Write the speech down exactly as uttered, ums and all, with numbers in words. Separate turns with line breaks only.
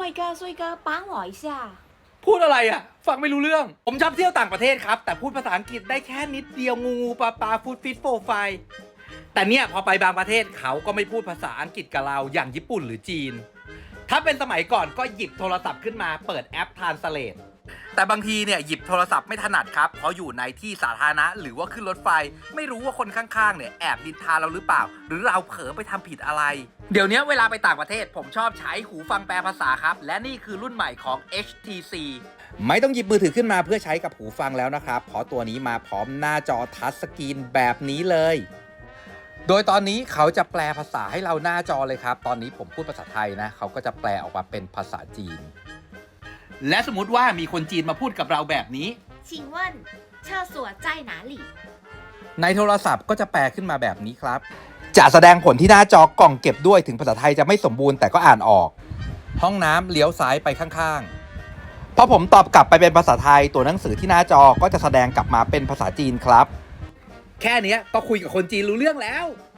帅哥，帅哥，帮我一下。
พูดอะไรอ่ะ ฟังไม่รู้เรื่อง ผมชอบเที่ยวต่างประเทศครับ แต่พูดภาษาอังกฤษได้แค่นิดเดียวงูงูปลาปลาฟูดฟิตโฟไฟแต่เนี่ยพอไปบางประเทศเขาก็ไม่พูดภาษาอังกฤษกับเราอย่างญี่ปุ่นหรือจีน ถ้าเป็นสมัยก่อนก็หยิบโทรศัพท์ขึ้นมาเปิดแอป Translate แต่บางทีเนี่ยหยิบโทรศัพท์ไม่ถนัดครับเพราะอยู่ในที่สาธารณะหรือว่าขึ้นรถไฟไม่รู้ว่าคนข้างๆเนี่ยแอบดินทาเราหรือเปล่า หรือเราเผลอไปทำผิดอะไร เดี๋ยวนี้เวลาไปต่างประเทศผมชอบใช้หูฟังแปลภาษาครับและนี่คือรุ่นใหม่ของ เอช ที ซี ไม่ต้องหยิบมือถือขึ้นมาเพื่อใช้กับหูฟังแล้วนะครับเพราะตัวนี้มาพร้อมหน้าจอทัชสกรีนแบบนี้เลยโดยตอนนี้เขาจะแปลภาษาให้เราหน้าจอเลยครับตอนนี้ผมพูดภาษาไทยนะเขาก็จะแปลออกมาเป็นภาษาจีนและสมมติว่ามีคนจีนมาพูดกับเราแบบนี้
请问厕所在哪里？
ในโทรศัพท์ก็จะแปลขึ้นมาแบบนี้ครับจะแสดงผลที่หน้าจอกล่องเก็บด้วยถึงภาษาไทยจะไม่สมบูรณ์แต่ก็อ่านออกห้องน้ำเลี้ยวซ้ายไปข้างๆพอผมตอบกลับไปเป็นภาษาไทยตัวหนังสือที่หน้าจอก็จะแสดงกลับมาเป็นภาษาจีนครับแค่นี้ก็คุยกับคนจีนรู้เรื่องแล้ว